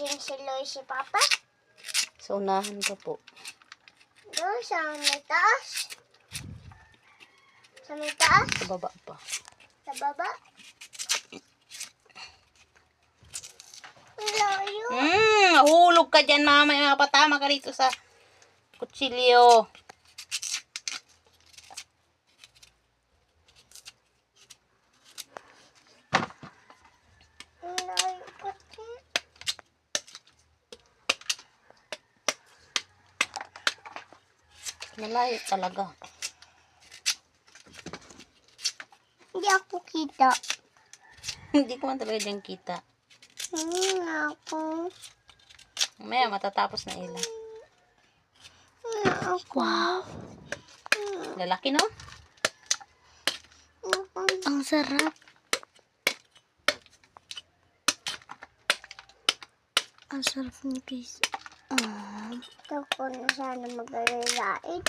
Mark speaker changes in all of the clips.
Speaker 1: Nasaan si Loy si Papa?
Speaker 2: Sa unahan ka po.
Speaker 1: Doon sa may taas. Sa may taas?
Speaker 2: Sa baba pa.
Speaker 1: Sa baba? Layo.
Speaker 2: Hulog ka dyan, mama. Mapatama ka rito sa kutsilyo.
Speaker 1: Layo pati.
Speaker 2: Malayo talaga.
Speaker 1: Hindi ako kita.
Speaker 2: Hindi ko man talaga dyan kita.
Speaker 1: Ako.
Speaker 2: Mamaya matatapos na ilan.
Speaker 1: Ako.
Speaker 2: Wow. Lalaki, no?
Speaker 1: Ang sarap. Ang sarap ni guys. Ito ko na sana mag-alalaid.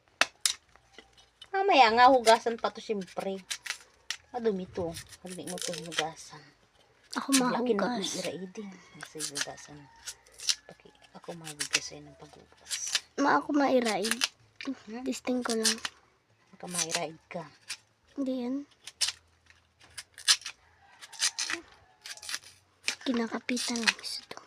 Speaker 2: Mamaya nga, hugasan pa to siyempre. Madumi to. Hindi mo to hugasan.
Speaker 1: Ako
Speaker 2: Laki na
Speaker 1: mahugas.
Speaker 2: iraiding. Kasi hugasan. Ako mahugas sa'yo ng paghugas.
Speaker 1: Ako mairaid. Testing ko lang.
Speaker 2: Baka mairaid ka.
Speaker 1: Hindi yan. Kinakapitan lang isa to.